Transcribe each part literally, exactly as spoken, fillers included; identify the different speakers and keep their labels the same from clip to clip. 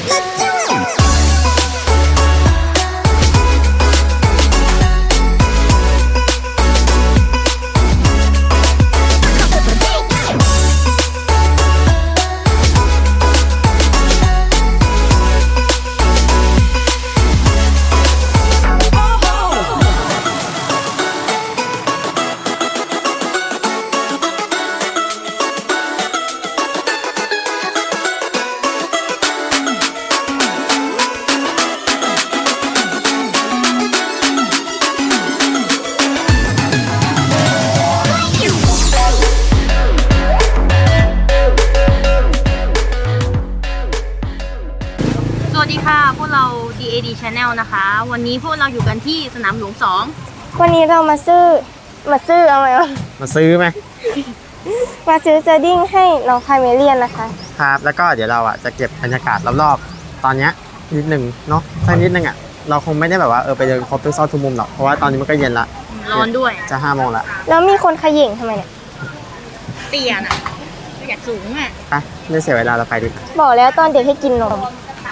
Speaker 1: สวัสดีค่ะพวกเรา ดี เอ ดี Channel นะคะวันนี้พวกเราอยู่กันที่สนามหลวงสอง
Speaker 2: วันนี้เรามาซื้อมาซื้อเอาไหมวะ
Speaker 3: มาซื้อไหม
Speaker 2: มาซื้อเจอดิ้งให้น้องคาเมเลียนนะคะ
Speaker 3: ครับแล้วก็เดี๋ยวเราอ่ะจะเก็บบรรยากาศรอบๆตอนนี้นิดหนึ่งเนาะสักนิดนึงอ่ะเราคงไม่ได้แบบว่าเออไปเดินครบทุกซอกทุกมุมหรอกเพราะว่าตอนนี้มันก็เย็นละ
Speaker 1: ร้อนด้วย
Speaker 3: จะห้าโมงละ
Speaker 2: แล้วมีคนขย่งทำไมเนี่ย
Speaker 1: เตี้ยน่ะอยากสูงอ่ะ
Speaker 3: ไปไม่เสียเวลาเราไปดิ
Speaker 2: บอกแล้วตอนเด็กให้กินนม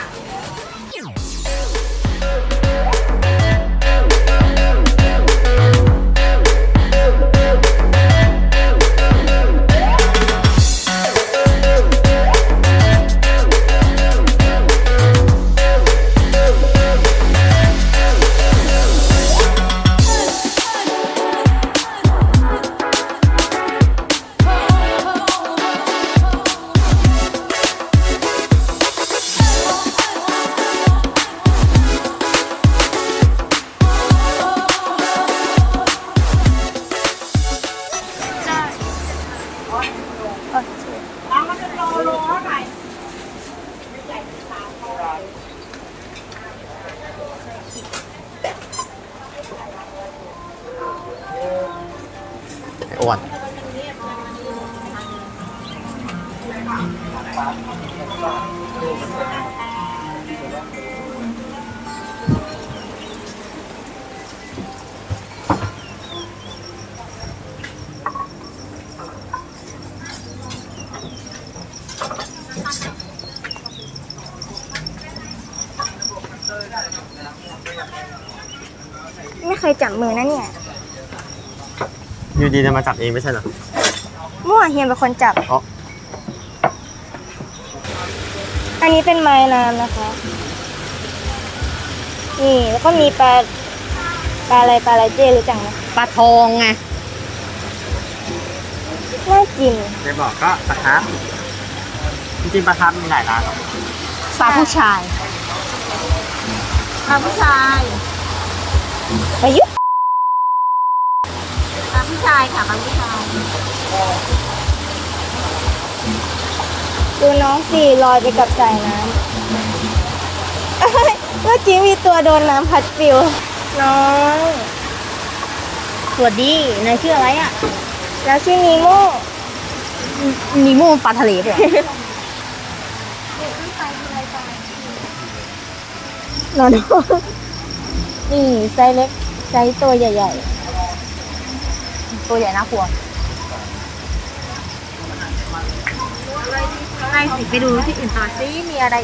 Speaker 3: อ้วน
Speaker 2: ไม่เคยจับมือนะเนี่ย
Speaker 3: อยู่ดีจะมาจับเองไม่ใช่เหรอ
Speaker 2: มั่วเฮียเป็นคนจับ
Speaker 3: อ๋อ
Speaker 2: อันนี้เป็นไม้น้ำนะคะนี่แล้วก็มีปลาปลาอะไรปลาอะไรเจ๊รู้จักไหม
Speaker 1: ปลาทองไง
Speaker 2: น่ากิน
Speaker 3: ไม่บอกก็ปลาทับจริงๆปลาทับมีหลายร้าน
Speaker 1: ปลาผู้ชายปลาผู้ชาย
Speaker 2: ประยุทธ์
Speaker 1: ปลาผู้ชายค่ะปลาผู้ชาย
Speaker 2: ดูน้องสี่ลอยไปกับสายน้ำเมื่อกี้มีตัวโดนน้ำพัดปิวน้อง
Speaker 1: สวัสดีนายชื่ออะไรอ่ะ
Speaker 2: แล้วชื่อนีโม่
Speaker 1: นีโม่ปลาทะเลป่ะ
Speaker 2: นอนนี่ไซส์เล็กไซส์ตัวใหญ่
Speaker 1: ๆตัวใหญ่น่ากลัวไปสิไปดูที่อื่นต่อซิมีอะไร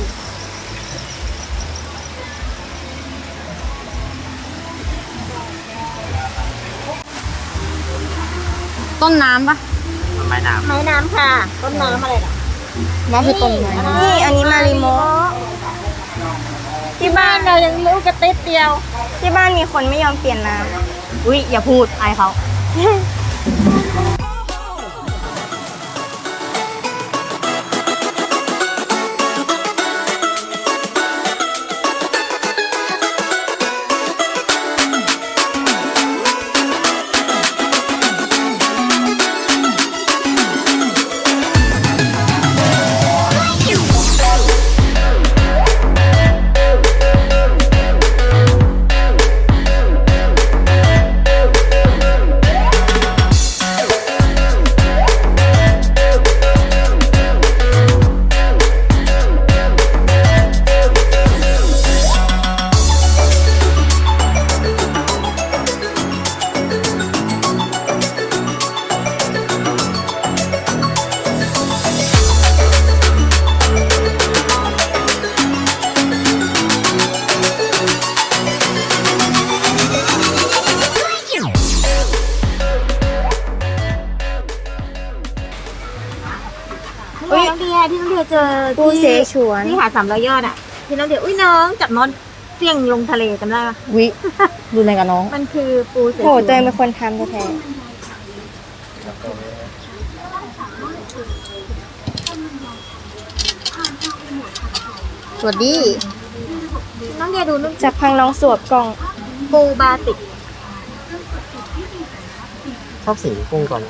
Speaker 1: ต้นน้ำปะ
Speaker 3: ไม้น้ำ
Speaker 1: ไม้น้ำค่ะต้นน้ำอะไรล่ะ
Speaker 2: น้ำคือต้นไม้นี่อันนี้มาริโม
Speaker 1: ที่บ้านเรายังรู้กระติดเดียว
Speaker 2: ที่บ้านมีคนไม่ยอมเปลี่ยนน้ำ
Speaker 1: อุ้ยอย่าพูดอายเขายเจอ
Speaker 2: ปูเสฉวน
Speaker 1: ที่หาดสามร้อยยอดอ่ะที่น้องเดี๋ยวอุ้ยน้องจับน้องเสี่ยงลงทะเลจำได้ปะ
Speaker 2: วิดูในกับน้อง
Speaker 1: มันคือปูเสฉวน
Speaker 2: โหตัวเองเป็นคนทำแท้
Speaker 1: สวัสดีน้องเดียดูนุ่น
Speaker 2: ๆจากพังน้องสวบกล่อง
Speaker 1: ปูบาติก
Speaker 3: ชอบสีกุ้งก่อน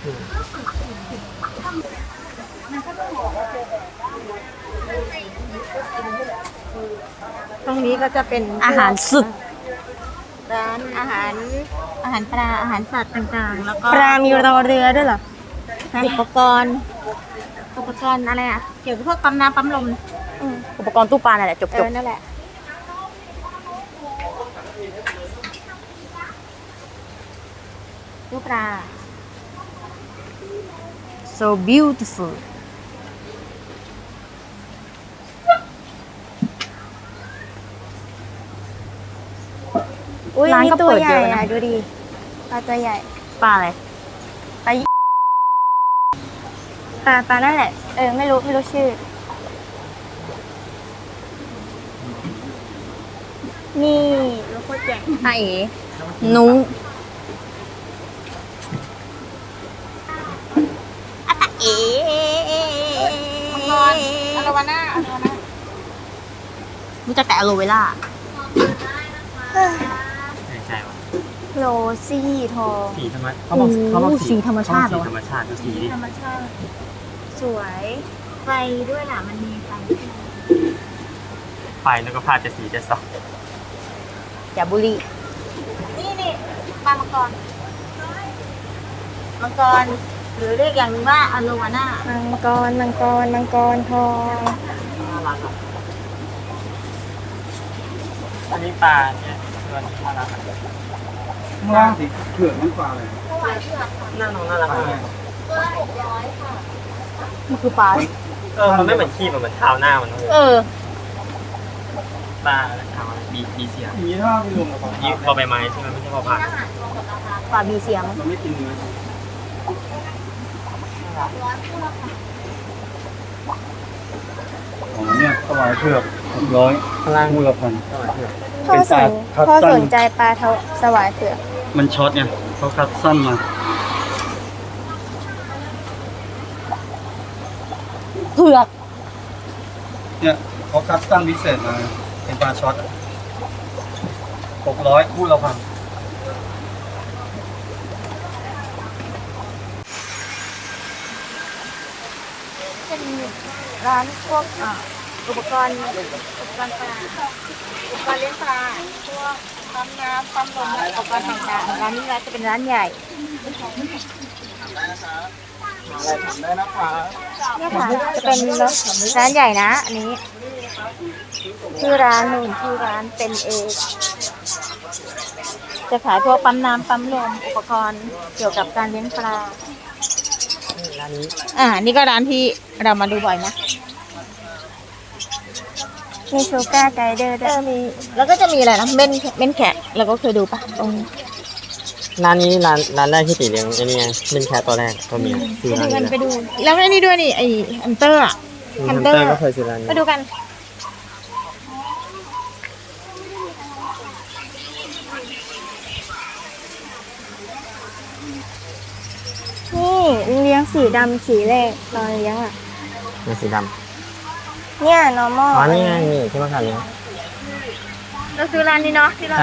Speaker 1: ตรงนี้ก็จะเป็นอาหารสุดร้านอาหารอาหารปลาอาหารสัตว์ต่างๆ แล้วก็
Speaker 2: ปลามีรอเรือด้วยเหรอ
Speaker 1: อุปกรณ์อุปกรณ์อะไรอ่ะเกี่ยวกับพวกปั๊มน้ำปั๊มลม
Speaker 2: อืม
Speaker 1: อุปกรณ์ตู้ปลาแหละจบ
Speaker 2: เอ
Speaker 1: จ
Speaker 2: อบ นั่นแหละ
Speaker 1: ตู้ปลา so beautiful
Speaker 2: อุ้ย
Speaker 1: ร้าน
Speaker 2: นี่
Speaker 1: ก็
Speaker 2: ตัว
Speaker 1: เปิด
Speaker 2: ให
Speaker 1: เย
Speaker 2: ญ่
Speaker 1: อะนะ
Speaker 2: อะดูดิปลาตัวใหญ่
Speaker 1: ปลาอะไร
Speaker 2: ปลาปลาปลานั่นแหละ เออไม่รู้ไม่รู้ชื่อ นี่แล้วโคตรใหญ่
Speaker 1: อาเอ๋นุ้งอาตาเอ๋มังกรอะโลวาน่าอะโลวาน่ารู้จักแต่อะโลเวล่า
Speaker 3: ใช่ใช่ว่ะ
Speaker 2: โรซี่ทอง
Speaker 3: สีธรรมเขาบอกเขาบอก
Speaker 1: สีธรรมชาติเหร
Speaker 3: สี
Speaker 1: อ
Speaker 3: ธรรมชาติดูสีดิ
Speaker 1: ธรรมชาติ
Speaker 2: สวย
Speaker 1: ไฟด้วยล่ะมันมีไฟ
Speaker 3: ไฟแล้วก็พาจะสีจะสอง
Speaker 1: อย่าบุรีนี่นี่ปลามังกรมังกรหรือเรียกอย่างหนึงว่าอะโลวาน่า
Speaker 2: มังกรมังกรมังกรทอง
Speaker 3: น่ารักอ่ะอันนี้ปลาเนี่ยตัวนี้น่ารักอ่ะ
Speaker 4: ข้างล่างสีเผือกนั่นปลาอะไร
Speaker 3: น่าน้องน่ารักมาก
Speaker 1: มันคือปลา
Speaker 3: เออมันไม่เหมือนขี้มันเหมือนเท้าหน้ามันเลย
Speaker 1: เออ
Speaker 3: ปลาเท้าบีบีเสีย
Speaker 4: อย่างนี้ถ้าไม่รวมกับปลา
Speaker 3: ยี่พอใบไม้ใช่ไหมไม่ใช่พอผ่าน
Speaker 1: ปลามีเสียง
Speaker 4: มันไม่กินเนื้ออ๋อเนี่ยถวายเผือกหกร้อย
Speaker 3: ข้างล่าง
Speaker 4: มูลพัน
Speaker 2: พ่อ
Speaker 4: เป็น
Speaker 2: ส
Speaker 4: ปลาน คัส
Speaker 2: พ่อ
Speaker 4: ตัน
Speaker 2: สนใจปลาเทาสวายเผือก
Speaker 4: มันช็อตไงเขาคัดสั้นมา
Speaker 1: เผือก
Speaker 4: เนี่ยเขาคัดสั้นพิเศษมาเป็นปลาช็อตหกร้อยคู่ละพัน
Speaker 2: เป็นร้านพวกอ่าอุปกรณ์อุปกรณ์ปลาอุปกรณ์เลี้ยงปลาพวกปั๊มน้ำปั๊มลมและอุปกรณ์ต่างๆร้านนี้จะเป็นร้านใหญ่
Speaker 4: ได้นะครับ
Speaker 2: เนี่ยค่ะจะเป็นร้านใหญ่นะ อันนี้ชื่อร้านหนึ่งชื่อร้านเป็นเอกจะขายพวกปั๊มน้ำปั๊มลมอุปกรณ์เกี่ยวกับการเลี้ยงปลา
Speaker 3: ร้านนี้
Speaker 1: อ่า นี่ก็ร้านที่เรามาดูบ่อยนะ
Speaker 2: มีชูการ์ไกด์เดอร์ด้วย
Speaker 1: มี แล้วก็จะมีอะไรนะ เม่นเม่นแขกเราก็เคยดูปะตรง
Speaker 3: ร้านนี้ร้านร้านแรกที่ตีเลี้ยงไอ้นี่ไงเป็นแคทตัวแรกตัวเมียซื้อร้านนี้
Speaker 1: กัน
Speaker 3: แห
Speaker 1: ไป
Speaker 3: ละ
Speaker 1: ดู แล้วไอ้นี่ด้วยนี่ ไอ้ฮันเตอร์อะ
Speaker 3: ฮันเตอร์ก็เคยซื้อร้านนี้
Speaker 1: ไปดูกัน
Speaker 2: นี่เลี้ยงสีดำสีแรกตอนเลี้ยงอ่ะ
Speaker 3: เป็นสีด
Speaker 2: เนี่ย normal
Speaker 3: ำอ๋อนี่ไงนี่ที่มาขายเลี้ยง
Speaker 1: เราซื้อร้านนี้เนาะที่เรา
Speaker 3: ใช่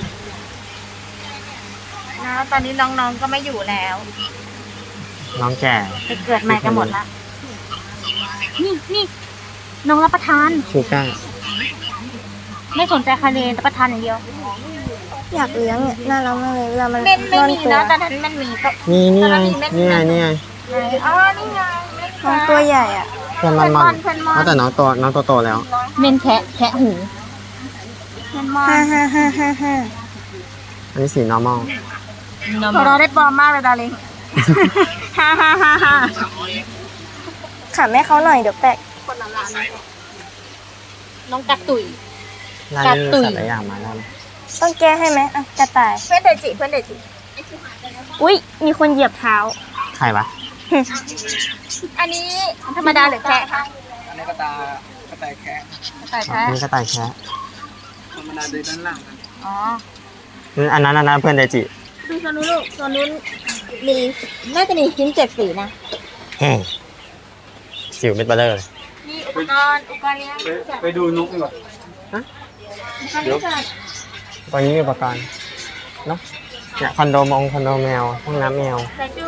Speaker 1: นะตอนนี้น้องๆก็ไม่อยู่แล้ว
Speaker 3: น้องแก่
Speaker 1: ไปเกิดใหม่กันหมดละ นี่นี่น้องรับประทาน
Speaker 3: ชูก้า
Speaker 1: ไม่สนใจใครเลยรับประทานอย่างเดียว
Speaker 2: อยากเลี้ยงเนี่ยน่ารักมากเลยเวลามัน
Speaker 1: เม่นไม่
Speaker 2: ร่อน
Speaker 1: มี
Speaker 2: ตัว
Speaker 1: นะตอนนั้นมันมีก็
Speaker 3: นี่นี่ไงนี่ไงนี่ไง
Speaker 1: อ๋อนี่ไง
Speaker 2: น้องตัวใหญ่อ่ะ
Speaker 3: เพื่อนมันมันอ๋อแต่น้องโตน้องโตโตแล้ว
Speaker 1: เม่นแคะแคะหูเม่นมอ
Speaker 2: ห้าน ห้าห้าห้าห้า
Speaker 3: อันนี้สี normal
Speaker 1: เราได้ปลอมมากเลยดาริงฮ่าฮ่าฮ่าฮ่า
Speaker 2: ขับให้เขาหน่อยเดี๋ยวแปะ
Speaker 1: คนละร้านน้องกักตุย
Speaker 3: ร้านนี้มีสัตว์หลายอย่างมาแล้วนะ
Speaker 2: ต้องแก้ให้ไหมอ่ะกระต่าย
Speaker 1: เพื่อนเดจิเพื่อนเดจิ
Speaker 2: อุ้ยมีคนเหยียบเท้า
Speaker 3: ใครวะ
Speaker 1: อันนี้ธรรมดาหรือแคะคะ
Speaker 2: ธ
Speaker 4: อันนี้กระตากระต่ายแคะ
Speaker 2: กระต่าย
Speaker 3: อ๋อ
Speaker 2: แคะ
Speaker 3: นี่กระต่ายแคะ
Speaker 4: ธรรมดาเดินด้านหลังกัน
Speaker 2: อ๋อ
Speaker 3: นี่อันนั้นอันนั้นเพื่อนไดจิ
Speaker 2: ดูโซนนู้นลูกโซนนู้นมีน่าจะมีชิ้นเจ็ดสีนะ
Speaker 3: อืมสิวเม็ดเบลเลอร์เลย
Speaker 2: มีอุปกรณ์อุปกรณ์เลี้ยง
Speaker 4: ไป
Speaker 2: สัตว์
Speaker 4: ไปดูนกดีกว่า
Speaker 2: อุปกรณ์เลี้ยงสัตว์
Speaker 3: ตอนนี้มีอุปกรณ์เนาะเนี่ยคอนโดมงคอนโดแมวห้องน้ำแมว
Speaker 2: ใส่จู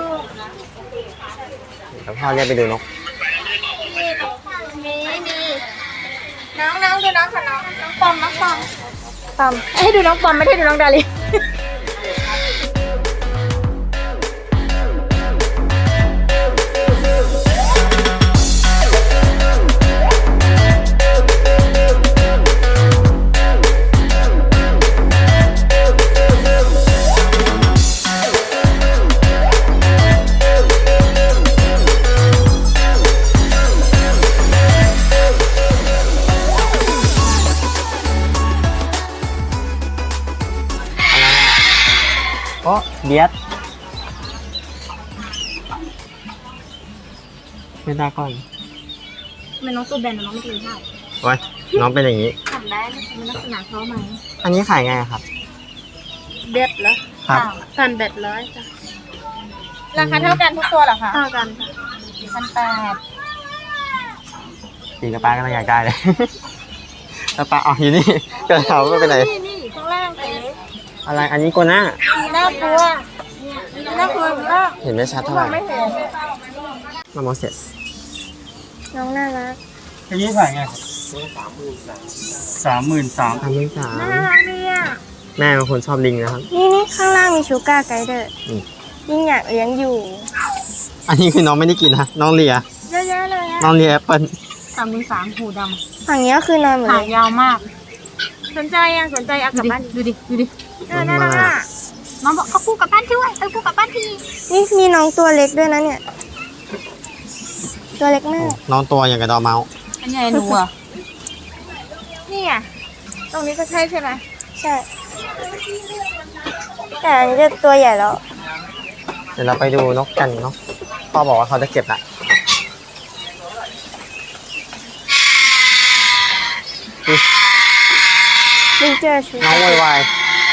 Speaker 3: เดี๋ยวพ่อเรียกไปดูนก
Speaker 2: มีมีน้องน้องดูน้องค่ะน้องน้องปอมน้องปอมปอมให้ดูน้องปอมไม่ได้ดูน้องดาริ
Speaker 3: โอ้เบียดไม่ได้ก่อน
Speaker 2: ทำไมน้องตัวแบนน้องไม่กินข้าว
Speaker 3: โอ้ยน้องเป็นอย่างนี้
Speaker 2: ทำได้มันลักษณะเขาไหม
Speaker 3: อันนี้ขายไงอะครับ
Speaker 2: เบ็ดเหรอ
Speaker 3: ครับ
Speaker 2: พันเบ็ดร้อยจ้ะราคาเท่ากันทุกตัวเหรอคะเท่ากันค่ะพันแปด
Speaker 3: ปีกระป้ากำลังอยากได้เลย แล้วป้าอ๋ออยู่นี่เกิดเขาไม่เป็นไร
Speaker 2: นี่นี่ข้างล่างเต๋
Speaker 3: อะไรอันนี้โกน่า
Speaker 2: น่ากลัวน่ากลัวมาก
Speaker 3: เห็นไม่ชัดเท่าไหร่
Speaker 2: ไม่เห็น
Speaker 3: มาโมเสส
Speaker 2: น้องน่ารัก
Speaker 4: อันนี้ขายไงครับสามหมื่นสาม
Speaker 3: ทำไม่สาม
Speaker 2: น่ารักดีอ่ะ
Speaker 3: แม่เป็นคนชอบลิงนะครับ
Speaker 2: นี่นี่ข้างล่างมีชูการ์ไกด์เดอร์
Speaker 3: อืม
Speaker 2: ยิ่งอยากเลี้ยงอยู่
Speaker 3: อันนี้คือน้องไม่ได้กินนะน้องเลีย
Speaker 2: เยอะแยะเลยอ่ะ
Speaker 3: น้องเลียแอปเปิ้ล
Speaker 2: สามหมื่นสามหูดำฝั่งนี้ก็คือนอนหมดเลย
Speaker 1: ขายาวมาก
Speaker 2: สนใจอ่ะสนใจเอากลับบ้าน
Speaker 1: ดูดิ ดูดิ
Speaker 2: เออน่ารักอ่ะ
Speaker 1: น้องบอกเอาคู่กลับบ้านด้วยเอาคู่กลับบ้านที
Speaker 2: นี่มีน้องตัวเล็กด้วยนะเนี่ย ตัวเล็กมาก
Speaker 3: น้องตัวอย่างกับดอร์เมาส์
Speaker 1: อันใหญ่หนูอ่ะ
Speaker 2: นี่อ่ะตรงนี้ก็ใช่ใช่ไหมใช่ แต่อันนี้จะตัวใหญ่แล้ว
Speaker 3: เดี๋ยวเราไปดูนกกันเนาะพ่อบอกว่าเขาจะเก็บละอุ๊ย
Speaker 2: ลิงเจอชู
Speaker 3: น้องวายวาย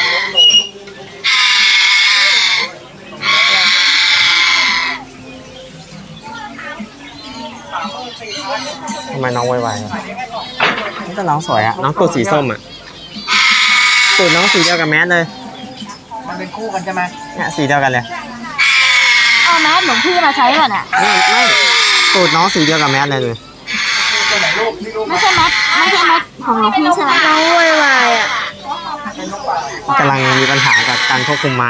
Speaker 3: ทำไมน้องวายวายนี่ก็น้องสวยอะน้องตัวสีส้มอะตูดน้องสีเดียวกับแมสเลย
Speaker 4: มันเป็นคู่กันใช่ไหม
Speaker 3: เนี่ยสีเดียวกันเลย
Speaker 1: เอาแมสหลวงพี่มาใช้ป่ะเนี่ย
Speaker 3: ไม่ไม่ตูดน้องสีเดียวกับแมสเลยเลย
Speaker 4: ตัวไหนลูกนี่ลูก
Speaker 1: ไม่ใช่แมสไม่ใช่แมสของหลวงพี่ใช่ไหม
Speaker 2: น้องวายวายอ่ะ
Speaker 3: กำลังมีปัญหากับการควบคุมไม้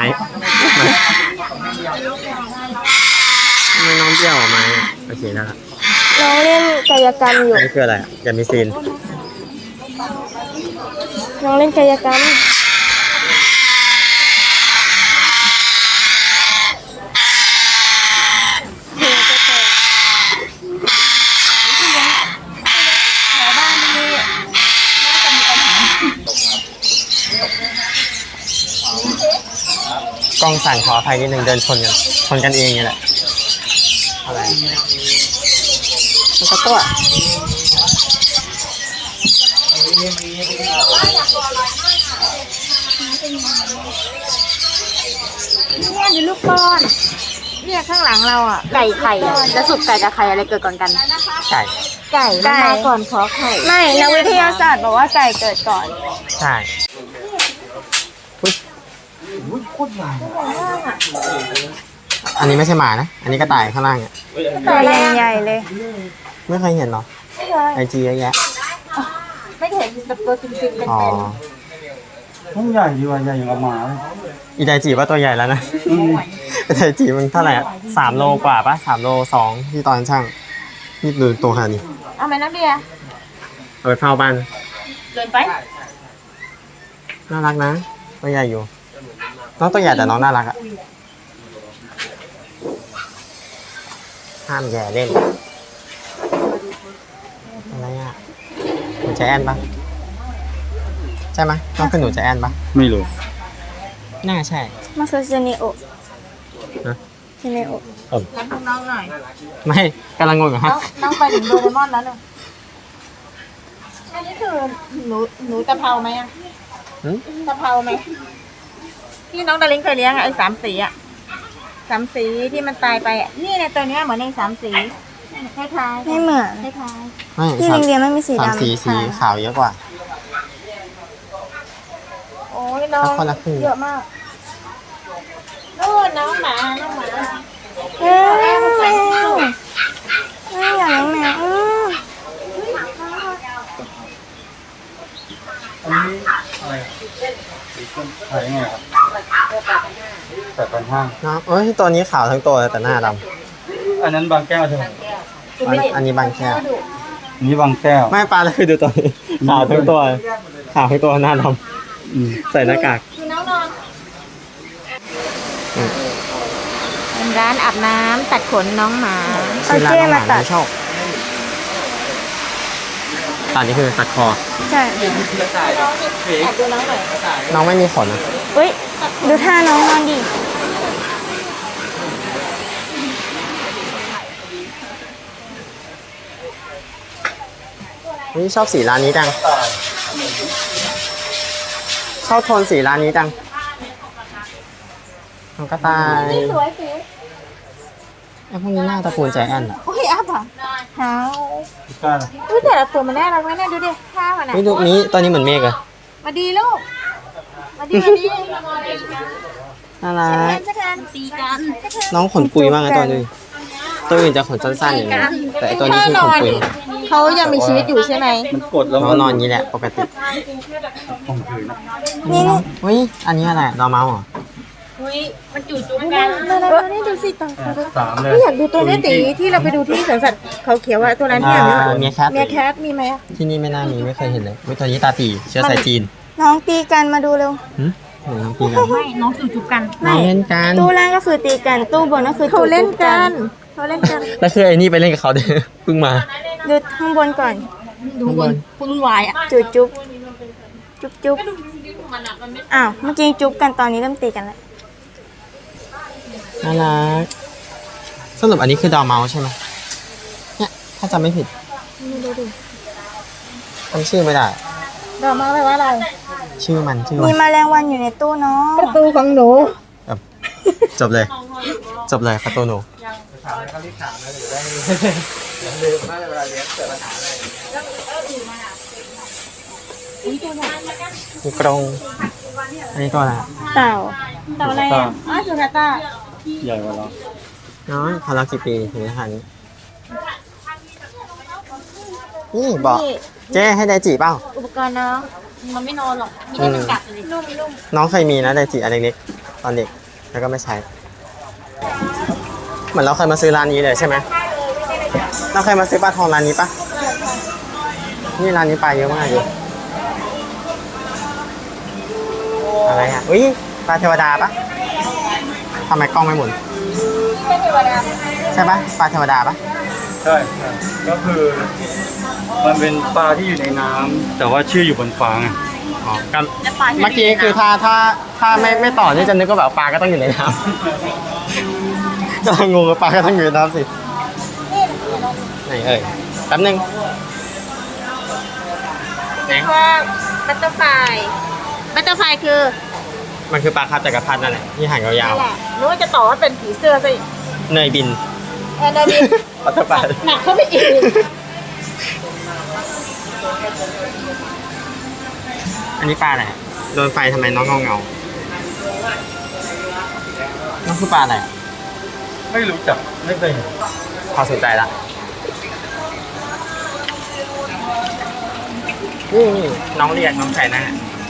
Speaker 3: ทำไมน้องเบี้ยวออกมาเนี่ยโอเคแล้วครับ
Speaker 2: น้องเล่นกายกรรมอยู่
Speaker 3: อันนี้คืออะไรอะอย่ามีซีน
Speaker 2: น้องเล่นกายกรรมเดี๋ยวจะแตก
Speaker 1: แถวบ้านนี่น่าจะมีปัญหาก
Speaker 3: ล้องสั่นขออภัยนิดนึงเดินชนกันชนกันเองนี่แหละอะไรมันก็ตัว
Speaker 1: เนี่ยดูลูกก้อน เนี่ยข้างหลังเราอ่ะ ไก่ไข่อะแล้วสุดไก่กับไข่อะไรเกิดก่อนกัน
Speaker 3: ไก่
Speaker 1: ไก่มันมาก่อนขอไข่
Speaker 2: ไม่นักวิทยาศาสตร์บอกว่าไก่เกิดก่อน
Speaker 3: ใช่
Speaker 4: อุ้ยโคตรใหญ่
Speaker 3: อันนี้ไม่ใช่หมานะ อันนี้กระต่ายข้างล่างเนี่ย
Speaker 2: ตัวใหญ่ๆเลย
Speaker 3: ไม่เคยเห็นหรอไอจีเยอะแยะ
Speaker 1: ไม่เห็นแบบตัวจริงๆเป็น
Speaker 3: อ๋อ
Speaker 4: ห้องใหญ่ดีว่ะใหญ่อย่างกับหมาเลย
Speaker 3: อีไดจีว่าตัวใหญ่แล้วนะ
Speaker 4: อืม
Speaker 3: ไอไดจีมันเท่าไหร่อะสามโลกว่าปะสามโลสองที่ตอนช่างนี่ดูตัวขนาดนี้
Speaker 1: เอาไหมน้ำเบียร์
Speaker 3: เอาไปเฝ้าบ้าน
Speaker 1: เดินไป
Speaker 3: น่ารักนะ ตัวใหญ่อยู่ น้องตัวใหญ่แต่น้องน่ารักอะห้ามแย่เล่น อะไรอะหนูใจแอนปะใช่ไหมน้องคือหนูใจแอนปะ
Speaker 4: ไม่รู้
Speaker 3: น่าใช่
Speaker 2: มาคือเซเนโอ
Speaker 3: ฮะ
Speaker 2: เซเนโอ
Speaker 1: รับน้องหน่อย
Speaker 3: ไม่กำลังงงอยู่
Speaker 1: น้
Speaker 3: ฮะ
Speaker 1: องน้องไปถึงโดเรมอนแล้วเนอะ
Speaker 2: อันนี้คือหนูหนูตะเภาไหมอะ
Speaker 3: หืม
Speaker 2: ตะเภาไหมที่น้องดาริงเคยเลี้ยงอะไอ้สามสีอะสามสีที่มันตายไปอะนี่เนี่ยตัวเนี้ยเหมือนในสามสีคล้ายๆ
Speaker 1: ไม่เหมือน
Speaker 2: คล้าย
Speaker 3: ไม่
Speaker 1: ที่
Speaker 3: สาม
Speaker 1: ลิงเดียไม่มีสี
Speaker 3: สาม
Speaker 1: ดำ
Speaker 3: สีสี
Speaker 1: ค่ะ
Speaker 3: ขาวเยอะกว่า
Speaker 2: ๆโอ้ยน้อง
Speaker 3: คนละครึ่ง
Speaker 2: เยอะมากนู่นน้องหมาน้องหมา
Speaker 1: เอ้ยแมวไม่อยากเลี้ยงแมวอื้อ
Speaker 4: อันนี้อะไรดีขึ้นขายยังไงครับแปดพันห้า
Speaker 3: น้องเอ้ยตัวนี้ขาวทั้งตัวเลยแต่หน้าด
Speaker 4: อันนั้นบางแก้วใช่ไหม
Speaker 3: ำอันอันนี้บางแค่
Speaker 4: อันนี้บางแก้ว
Speaker 3: ไม่ปลาเลยคือดูตัวนี้ขาวทั้งตัวขาวทั้งตัวหน้าด
Speaker 4: อืม
Speaker 3: ำใส่หน้ากาก
Speaker 2: คือน้องนอน
Speaker 3: อืม
Speaker 2: เป็นร้านอาบน้ำตัดขนน้องหมา
Speaker 3: ชื่อร้านน้องหมาไม่ชอบตอนนี้คือตัดคอ
Speaker 1: ใช่
Speaker 2: แอบดูน้องหน่อย
Speaker 3: น้องไม่มีขนอะ
Speaker 1: เฮ้ย ดูท่าน้องนอนดิ
Speaker 3: นี่ชอบสีร้านนี้จัง ชอบโทนสีร้านนี้จังน้องกระต่าย
Speaker 2: สวยสิ
Speaker 3: ไอ้พวกนี้หน้าตระกูลใจแอนอะ
Speaker 2: โอ้ยอัพอ่ะเท้า
Speaker 4: พิก้าล่ะ
Speaker 2: อุ้ยแต่ละตัวมันน่ารักไหมเนี่ยดูดิข้าวอ่ะนะ
Speaker 3: นี่ดูนี้ตัวนี้เหมือนเมฆเลย
Speaker 2: มาดีลูกมาดีมาดี
Speaker 3: น่ารัก
Speaker 2: จะกันตีกัน
Speaker 3: น้องขนปุยมากเลยตัวนี้ตัวอื่นจะขนสั้นๆอย่างนี้แต่ไอ้ตัวนี้คือขนปุย
Speaker 2: เขายังมีชีวิตอยู่ใช่ไหม
Speaker 4: มันกดแล้ว
Speaker 3: น้องนอนอย่างนี้แหละปกติ
Speaker 4: ข่มขืน
Speaker 1: นี่นี่
Speaker 3: เฮ้ยอันนี้อะไรดอร์เมาส์เหรอ
Speaker 2: มาแล้วนี่ดูสิต่อ
Speaker 4: สามเลย
Speaker 2: ไม่อยากดูตัวนี้ตีที่เราไปดูที่สวนสัตว์เขาเขียวอะตัวนั้นที่
Speaker 3: อ่า
Speaker 2: อยากดู
Speaker 3: เมียแคท
Speaker 2: เมียแคทมีไหมอะ
Speaker 3: ที่นี่ไม่น่ามีไม่เคยเห็นเลยวิตัวนี้ตาตีเชื้อสายจีน
Speaker 1: น้องตีกันมาดูเร็ว
Speaker 3: หึเหมือนน้องตีกัน
Speaker 2: ไม่น้องจูจูกัน
Speaker 3: น้องเล่นกัน
Speaker 1: ตู้ล่างก็คือตีกัน ตู้บนก็คือ
Speaker 2: เขาเล่น
Speaker 1: จูบ
Speaker 2: กันเขาเล่นกัน
Speaker 3: แล้วคือไอ้นี่ไปเล่นกับเขาเด้อ เพิ่งมา
Speaker 1: ดูข้างบนก่อน
Speaker 2: ดูบนคุณวายอะ
Speaker 1: จุบจุบจุบจุบอ้าว เมื่อกี้จุบกันตอนนี้เริ่มตีกันแล้ว
Speaker 3: น่ารักสรุปอันนี้คือดอร์เมาส์ใช่ไหมเนี่ยถ้าจำไม่ผิดจำชื่อไม่ได้
Speaker 2: ดอกมาแปลว่าอะไร
Speaker 3: ชื่อมันชื่อ
Speaker 1: มี
Speaker 3: มัน
Speaker 1: แมลงวันอยู่ในตู้เนาะ
Speaker 2: ประตูของหนู
Speaker 3: แบบจบเลย จบเลยคาโตโนมีกรงอันนี้ตัวอะไร
Speaker 1: เต่า
Speaker 2: เต่าอะไรอะอ๋อสุกาต้า
Speaker 4: ใหญ่กว่าเรา
Speaker 3: น้อยพารากี่ปีถึงจะหันนี่บอกเจ๊ให้ไดจิเปล่า
Speaker 2: อุปกรณ์น้องมันไม่นอนหรอกมีแต่มันกัดเลยนุ่มนุ่ม
Speaker 3: น้องเคยมีนะไดจิอันเล็กๆตอนเด็กแล้วก็ไม่ใช้ เหมือนเราเคยมาซื้อร้านนี้เลยใช่ไหมเราเคยมาซื้อปลาทองร้านนี้ปะนี่ร้านนี้ปลาเยอะมากเลยอะไรอ่ะอุ้ยปลาเทวดาปะทำไมกล้องไม่หมุนใช่ปะปลาเทวดาปะ
Speaker 4: ใช่ใช่ก็คือ มันเป็นปลาที่อยู่ในน้ำแต่ว่าชื่ออยู่บนฟ้าไง
Speaker 3: อ๋อกันเมื่อกี้คือถ้าถ้าถ้าไม่ไม่ต่อนี่จะนึกว่าแบบปลาก็ต้องอยู่ในน้ำ กำลังงงว่าปลาก็ต้องอยู่ในน้ำสิไหนเอ่ยแป๊บนึงไหน
Speaker 2: ว่าบัตเตอร์ไฟบัตเตอร์ไฟคือ
Speaker 3: มันคือปลาคาบจักรพรรดินั่นแหละที่หางยาว
Speaker 2: นั่นแหละนึกว่าจะต่อว่าเป็นผีเสื้อซะอีก
Speaker 3: ๆเนยบิน
Speaker 2: แอนนาบิน
Speaker 3: ปัตตาปลา
Speaker 2: หนักเข้าไปอีก
Speaker 3: อันนี้ปลาอะไรอะโดนไฟทำไมน้องเงาเงาๆน้องคือปลาอะไรอะ
Speaker 4: ไม่รู้จักไม่เคยเห็น
Speaker 3: พอสนใจละนี่นี่น้องเรียกน้องใส่หน้า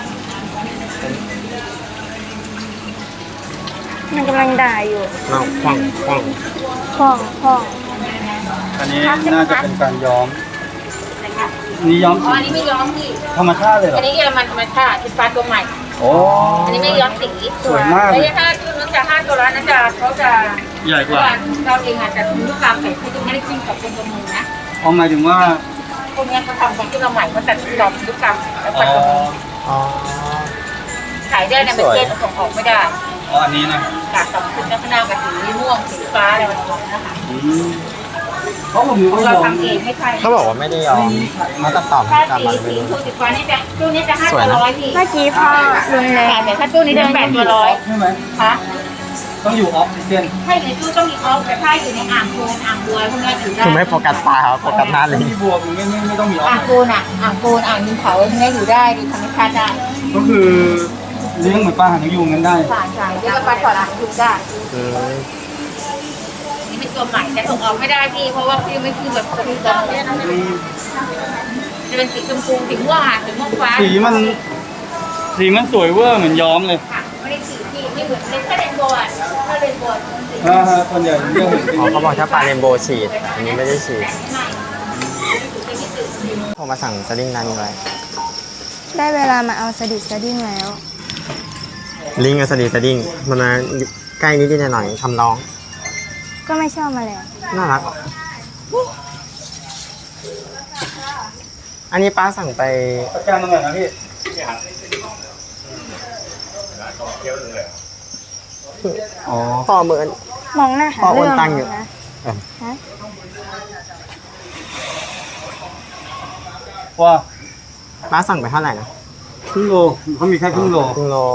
Speaker 1: มันกำลังด่าอยู่
Speaker 3: น้องคว่ำคว่
Speaker 1: คล่องคล่อง
Speaker 4: อันนี้น่าจะเป็นการย้อมนี่ย้อม
Speaker 2: อ๋อ
Speaker 4: สี
Speaker 2: อันนี้ไม่ย้อมพี่
Speaker 4: ธรรมชาติเลยเหร
Speaker 2: อั
Speaker 4: อน
Speaker 2: นี้เยอรมันธรรมชาติเป็นปลาตัวใหม่
Speaker 4: โอ้
Speaker 2: อันนี้ไม่ย้อมสี
Speaker 4: สวยมากเลย
Speaker 2: แล้วถ้าที่นู้นจะห้าตัวแล้วนั้นจะเขาจะ
Speaker 4: ใหญ่กว่า
Speaker 2: เราเองอาจจะทำลูกกลางใส่ที่ไม่ได้จิ้มกับเป็นตัวมือนะ
Speaker 4: เอาหมายถึงว่า
Speaker 2: พวกนี้เขาทำของที่เราใหม่เขาตัดดอกลูกกลางแล้ว
Speaker 4: อ๋
Speaker 2: ปั
Speaker 4: อ
Speaker 2: ดตัวมือ
Speaker 3: ำอ๋อ
Speaker 2: ขายได้ในประเทศส่งออกไม่ได้
Speaker 4: อ๋ออันนี้นะ
Speaker 2: จากสองสีข้างหน้ากับสีม่วงสีฟ้าอะไรแบบนี้นะคะ
Speaker 4: อืมเพราะผมมี
Speaker 1: เราทำเองไม่ใช่
Speaker 3: เขาบอกว่าไม่ได้ยอมมาตัดต่อ
Speaker 1: ถ้า
Speaker 3: ตาม
Speaker 1: สี
Speaker 3: มันไม่
Speaker 1: สี
Speaker 3: รู้
Speaker 1: ทูสิบกว่านี่จะตู้นี้จะห้า
Speaker 3: สว
Speaker 1: ตั
Speaker 3: ยว นะ
Speaker 1: ร้อยพี่
Speaker 2: เมื่อกี้พ่อลุงเลย
Speaker 1: แต่ถ้าตู้นี้จะแปดตัวร้อย
Speaker 4: ใช่ไหม
Speaker 1: ค่ะ
Speaker 4: ต้องอยู่ออฟซิเจน
Speaker 1: ถ้าอยู่ในตู้ต้องมีออฟแต่ถ้าอยู่ในอ่างโคลนอ่างบัวพวกนี้ถือได้
Speaker 3: คือไม่โฟกัสปลาครับโฟกัสหน้าเลย
Speaker 4: ที่บวกไม่ไม่ไม่ต้องมีออฟ
Speaker 1: อ่างโคลนอ่ะอ่างโคลนอ่างดินเผาพวกนี้อยู่ได้ดีธรรมชาติได้
Speaker 4: ก็คือเลี้ยงเหมือนปลาหางยูงกันได้
Speaker 1: สารสารเรียกว่าปลาถอดอ่างทุกได้
Speaker 3: อืม
Speaker 1: นี่เป็นตัวใหม่แต่ส่งออกไม่ได้พี่เพราะว่าพี่ไม่คือแบบคือตอนนี้นะจะเป็นสีชมพูสีม่วงอ่ะสีม่วงฟ้า
Speaker 4: สีมันสีมันสวยเวอร์เหมือนย้อมเลย
Speaker 1: ค่ะไม่ได้สีที่ไม่เหมือนเป็นแค่เรนโบว์อ่ะถ้าเรนโบว์มันสี
Speaker 4: อ่าฮะส่วนใหญ่ผมจะเห็น
Speaker 3: อ๋อเขาบอกถ้าปลาเรนโบว์ฉีด อันนี้ไม่ได้ฉีด
Speaker 1: ไม่เป็นที่ตื่น
Speaker 3: ผมมาสั่งสดิ้งร้านนี้ไว้
Speaker 2: ได้เวลามาเอาสดิดสดิ้งแล้ว
Speaker 3: ลิงกับสดิ้งสดิ้งมันมาใกล้นิดนิดหน่อยๆทำน้อง
Speaker 2: ก็ไม่ชอบมาแล้ว
Speaker 3: น่ารัก อันนี้ป้าสั่งไป
Speaker 4: ประกันตรงไหนนะพี่ อ๋อ
Speaker 3: พ่อเหมือน
Speaker 2: มองหน้าหา
Speaker 3: พ่อโอน
Speaker 2: เรื่อง
Speaker 3: ตังค์อยู่
Speaker 2: นะ
Speaker 3: เออ
Speaker 2: ฮะ
Speaker 4: ว่า
Speaker 3: ป้าสั่งไปเท่าไหร่นะ
Speaker 4: ครึ่งโลเขามีแค่ครึ่งโล
Speaker 3: ครึ่งโล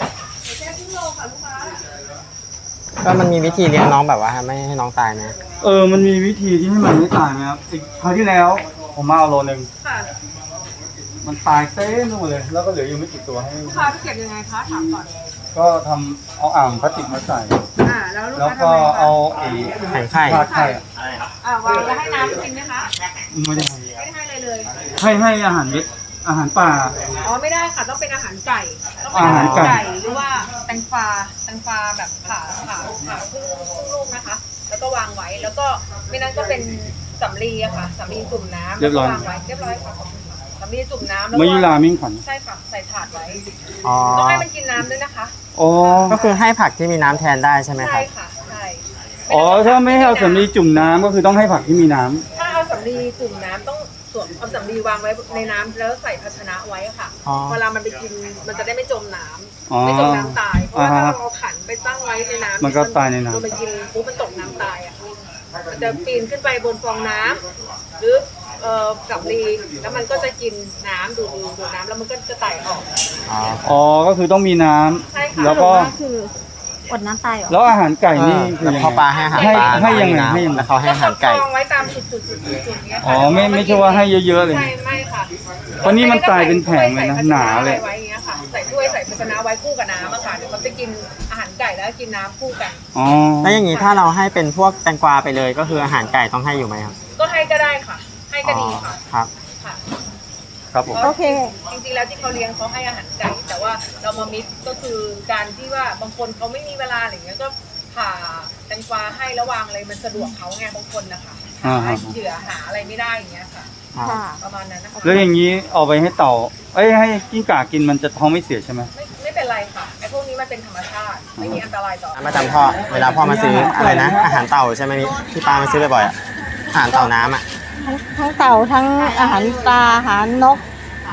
Speaker 3: ก็มันมีวิธีเลี้ยงน้องแบบว่าไม่ให้น้องตายไหม
Speaker 4: เออ มันมีวิธีที่ให้มันไม่ตายไหมครับอีกคราวที่แล้ว ผมมาเอาโลนึงมันตายเต้นหมดเลย แล้วก็เหลืออยู่ไม่กี่ตัวให้
Speaker 5: ลูกค้าเก็บยังไงคะถามก่อน
Speaker 4: ก็ทำเอาอ่างพลาสติกมาใส่
Speaker 5: อ่าแล้วลูก
Speaker 4: แล้ว
Speaker 5: ค้า
Speaker 4: ก็
Speaker 5: ทำไงคะ
Speaker 4: เอาไอ้
Speaker 3: แข่งไข่
Speaker 4: พาดไข่อะ
Speaker 5: อ่าวางแล้วให้น้ำกินไหมคะ
Speaker 4: ไม่ได้
Speaker 5: ไม่ได้ให้อะไรเลย
Speaker 4: ให้ให้อาหารเม็ดอาหารป่า
Speaker 5: อ๋อไม่ได้ค่ะต้องเป็นอาหารไก่ต้องเป็น
Speaker 4: อา
Speaker 5: อา
Speaker 4: หา
Speaker 5: หาร ร
Speaker 4: ไก่
Speaker 5: ไก่หรือว่าแตงฟ้าแตงฟ้าแบบผ่าผ่าผ่าครึ่งครึ่งลูกนะคะ แล้วก็วางไว้แล้วก็ไม่นั้นก็เป็นสำลีอะค่ะสำลีจุ่มน้ำ
Speaker 4: เรียบร้อย
Speaker 5: แล้วก็วางไว้เรียบร้อยค่ะขอบคุณค่ะสำลีจุ่มน้ำแล้ว
Speaker 4: มายุรา
Speaker 5: ก็
Speaker 4: มิ่งขวัญ
Speaker 5: ใช่ค่ะใส่ถาดไว้
Speaker 3: อ๋อ
Speaker 5: ต้องให้มันกินน้ำด้วยนะคะ
Speaker 4: อ๋อ
Speaker 3: ก็คือให้ผักที่มีน้ำแทนได้ใช่ไหมค
Speaker 5: ใช่
Speaker 3: รับ
Speaker 5: ค่ะใช่
Speaker 4: อ๋อ ถ้าไม่ให้เอาสำลีจุ่มน้ำก็คือต้องให้ผักที่มีน้ำ
Speaker 5: ถ้าเอาสำลีจุ่มน้ำต้องสวมเอาสำลีวางไว้ในน้ำแล้วใส่ภาชนะไว้ค่ะ
Speaker 3: อ๋อ
Speaker 5: เวลามันไปกินมันจะได้ไม่จมน้ำ
Speaker 4: อ๋อ
Speaker 5: ไม่จมน้ำตาย เพราะว่าถ้า
Speaker 4: อ่าฮะ
Speaker 5: เราเอาขันไปตั้งไว้ในน้ำ
Speaker 4: มันก็ตายในน้ำ
Speaker 5: พอมันกินปุ๊บมันตกน้ำตายอ่ะมันจะปีนขึ้นไปบนฟองน้ำหรือเอ่อกับลีแล้วมันก็จะกินน้ำดูดดูดน้ำแล้วมันก็จะไต่ออก
Speaker 3: อ๋อ
Speaker 4: อ๋อ ก็คือต้องมีน้ำ
Speaker 5: ใช่ค่ะ
Speaker 4: แล้วก็
Speaker 2: คืออดน้ำตายเหรอ
Speaker 4: แล้วอาหารไก่นี่คือ
Speaker 3: แล้ว
Speaker 4: ยัง
Speaker 3: พอป
Speaker 4: ไง
Speaker 3: ลาให้อาหาร
Speaker 4: ให้
Speaker 3: ปลา
Speaker 4: ให้ยังไง
Speaker 3: น้ำ
Speaker 4: ให้ยังไง
Speaker 3: แล้วเขาให้อาหารไก่
Speaker 5: กองไว้ตามจุดจุดจุดจุดจุดเนี้ยค่ะ
Speaker 4: อ๋อ ไม่ไม่ใช่ว่าให้เยอะๆเลย
Speaker 5: ใช่ไม่ค่ะ
Speaker 4: เพราะนี่มันตายเป็นแผงเลยนะหนาเลย
Speaker 5: ใส่ภชะไว้อย่างเงี้ยค่ะ ใส่ถ้วยใส่ภาชนะไว้คู่กับน้ำอะค่ะเดี๋ยวมันจะกินอาหารไก่แล้วกินน้ำคู่กัน
Speaker 4: อ๋อ
Speaker 3: แล้วอย่างนี้ถ้าเราให้เป็นพวกแตงกวาไปเลยก็คืออาหารไก่ต้องให้อยู่ไหมครับ
Speaker 5: ก็ให้ก็ได้ค่ะ ให้ก็ดีค่ะ
Speaker 3: ครับ
Speaker 5: ค่ะ
Speaker 4: ครับผม
Speaker 2: โอเค
Speaker 5: จริงๆแล้วที่เขาเลี้ยงเขาให้อาหารไก่ แต่ว่าเรามามิกก็คือการที่ว่าบางคนเขาไม่มีเวลาอะไรเงี้ยก็ผ่าแตงกวาให้แล้ววางอะไรมันสะดวกเขาไงบางคนนะคะหา
Speaker 4: อ่าฮะ
Speaker 5: เหยื่อหาอะไรไม่ได้อย่างเงี้ยค่ะ
Speaker 2: ค่ะ
Speaker 5: ประมาณนั้นนะคะ
Speaker 4: แล้วอย่างนี้เอาไปให้เต่า เอ้ยให้กิ้งก่ากินมันจะท้องไม่เสียใช่ไหม
Speaker 5: ไม่ไม่เป็นไรค่ะไอ้พวกนี้มันเป็นธรรมชาติไม่มีอันตรายต่อ
Speaker 3: มาจำพ่อ เวลาพ่อมาซื้ออะไรนะ อาหารเต่าใช่ไหมพี่ที่ป้ามาซื้อบ่อยๆอะอาหารเต่าน้ำอ่ะ
Speaker 2: ทั้งทั้งเต่าทั้งอาหารปลาอาหารนก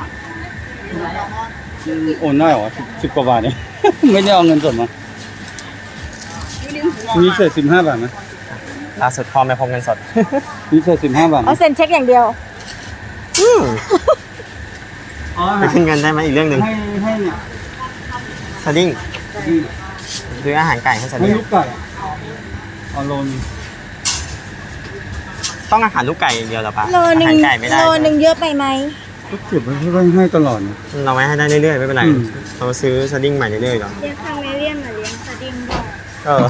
Speaker 4: โอนได้เหรอสิบสิบกว่าบาทเนี่ย ไม่ได้เอาเงินสดมา มีเศษสิบห้าบาทไหม
Speaker 3: ล่าสุดพ่อไม่พกเงินสด
Speaker 4: มีเศษสิบห้าบาทไหม
Speaker 2: เอาเซ็นเช็คอย่างเดียว
Speaker 3: อืม
Speaker 4: อ๋อ
Speaker 3: ไปขึ้นเงินได้ไหมอีกเรื่องหนึ่ง
Speaker 4: ให้ให้เนี่ย
Speaker 3: สดิ้งซื้ออาหารไก่ให้ส
Speaker 4: ให้
Speaker 3: ดิ้ง
Speaker 4: ลูกไก่เอาโลนง
Speaker 3: ต้องอาหารลูกไก่อย่างเดียวเหรอปะ
Speaker 2: โลหนึ่
Speaker 3: อาง หารไก่ไม่ได้
Speaker 2: โลหนึ่งเยอะไปไหม
Speaker 4: ก็เก็บไว้ให้ไว้ให้ตลอดนะ
Speaker 3: เราไม่ให้ได้เรื่อยๆไม่เป็นไร
Speaker 4: อืม
Speaker 3: เราซื้อสดิ้งใหม่เรื่อยๆหรอ
Speaker 2: เลี้ยงคาเมเลียนมาเลี้ยงสดิ้งด้วย
Speaker 3: เออ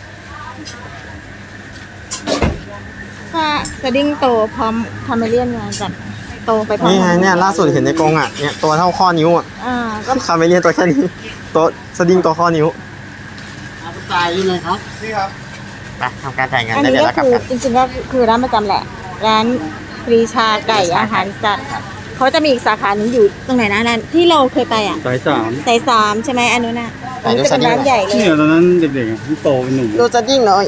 Speaker 2: ถ้าสดิ้งโตพร้อมคาเมเลียนไงจัดโตไปพร้อม
Speaker 3: นี่ไงเนี่ยล่าสุดเห็นในกรงอ่ะเนี่ยตัวเท่าข้อนิ้วอ่ะ
Speaker 2: อ่าก็
Speaker 3: คาเมเลียนตัวแค่นี้ตัวสดิ้งตัวข้อนิ้ว
Speaker 4: จ่ายยังไงครับนี่ครับ
Speaker 3: ไปทำการจ่ายเงิน
Speaker 2: อัน
Speaker 3: ได้
Speaker 2: นี้
Speaker 3: เดี๋ยว
Speaker 2: ก็
Speaker 3: เรากลับ
Speaker 2: คือ
Speaker 3: กัน
Speaker 2: จริงๆก็คือร้านประจำแหละ ร้านปรีชาไก่อาหารสัตว์เขาจะมีอีกสาขาหนึงอยู่ตรงไหนนะร้านที่เราเคยไปอ่ะ
Speaker 4: สายสาม
Speaker 2: สายสามใช่ไหมอันนู้นน่ะอันนี้จะเป็นร้านใหญ่เลย
Speaker 4: เนี่ยตอนนั้นเด็กๆอะที่โตเป็นหนุ่ม
Speaker 3: ดูสดิ้งหน่อย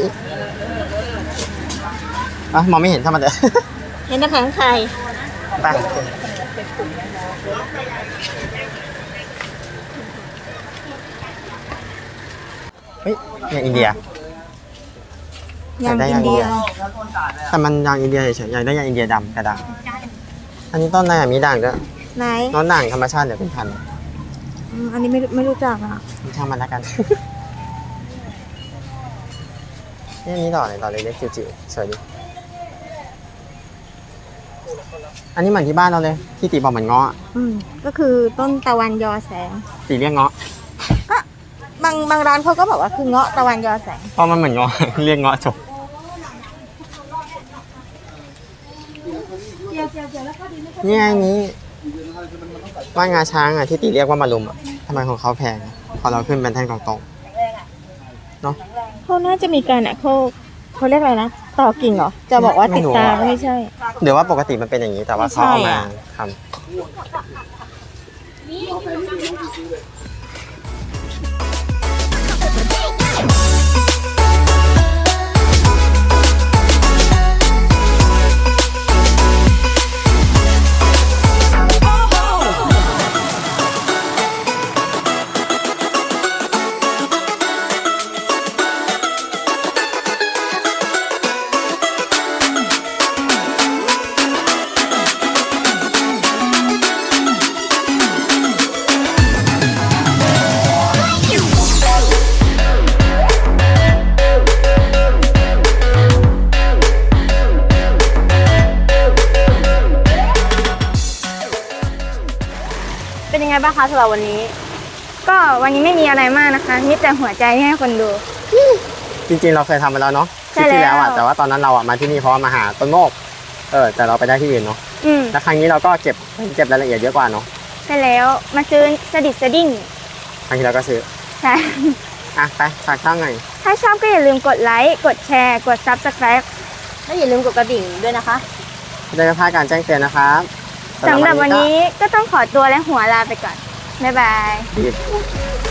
Speaker 3: อ่ะมองไม่เห็นถ้ามันเด้อ
Speaker 2: เห็นแต่แผงไข่
Speaker 3: ไปเฮ้ยเนี่ยอินเดีย
Speaker 2: ยาง
Speaker 3: ได้
Speaker 2: อิ
Speaker 3: ยาน งอิน
Speaker 2: เดี
Speaker 3: เดี
Speaker 2: ย
Speaker 3: ย แต่มันยางอินเดียเฉยๆอยากได้ยางอินเดียดำกระด่างอันนี้ต้นอะไรอ่ะมีด่างด้วย
Speaker 2: ไหน
Speaker 3: น้องด่างธรรมชาติเดี๋ยวเป็นพันธุ์
Speaker 2: อืมอันนี้ไม่ไม่รู้จักอ่ะ
Speaker 3: ช่างมันแล้วกัน นี่อันนี้ดอกอะไรดอกเล็กๆจิ๋วๆสวยดีอันนี้เหมือนที่บ้านเราเลยที่ตีบอกเหมือนเงาะอะ
Speaker 2: อืมก็คือต้นตะวันยอแสง
Speaker 3: ตีเรียกเงาะ
Speaker 2: ก็บางบางร้านเขาก็บอกว่าคือเงาะตะวันยอแสง
Speaker 3: เพราะมันเหมือนเงาะ เรียกเงาะจบนี่ไงนี้ว่านงาช้างอ่ะที่ตีเรียกว่ามารุมอ่ะทำไมของเขาแพงอะพอเราขึ้นเป็นแท่นตรงๆเนาะ
Speaker 2: เขาน่าจะมีการอ่ะเขาเขาเรียกอะไรนะต่อกิ่งเหรอจะบอกว่าติดตาก็ไม่ใช่
Speaker 3: เดี๋ยวว่าปกติมันเป็นอย่างนี้แต่ว่าเขาเอามาทำ
Speaker 2: เป็นยังไงบ้างคะสำหรับวันนี้ ก็วันนี้ไม่มีอะไรมากนะคะมีแต่หัวใจให้คนดู
Speaker 3: จริงๆเราเคยทำไปแล้วเนาะค
Speaker 2: ใช่
Speaker 3: ลิปที่แล้วอ่ะ
Speaker 2: แล้ว
Speaker 3: แต่ว่าตอนนั้นเราอ่ะมาที่นี่เพราะว่ามาหาต้นโมกเออแต่เราไปได้ที่อื่นเนาะ
Speaker 2: อืม
Speaker 3: แล้วครั้งนี้เราก็เก็บเก็บรายละเอียดเยอะกว่าเนาะ
Speaker 2: ใช่แล้วมาซื้อสดิดสดิ้ง
Speaker 3: ครั้งที่เราก็ซื้อ
Speaker 2: ใช่
Speaker 3: อ่ะไปฝากช่องหน่อย
Speaker 2: ถ้าชอบก็อย่าลืมกดไลค์กดแชร์กด ซับสไครบ์
Speaker 1: แล้วอย่าลืมกดกระดิ่งด้วยนะคะ
Speaker 3: จะได้ไม่พลาดการแจ้งเตือนนะครับ
Speaker 2: สำหรับวันนี้ก็ต้องขอตัวและหัวลาไปก่อนบ๊ายบาย
Speaker 3: ก็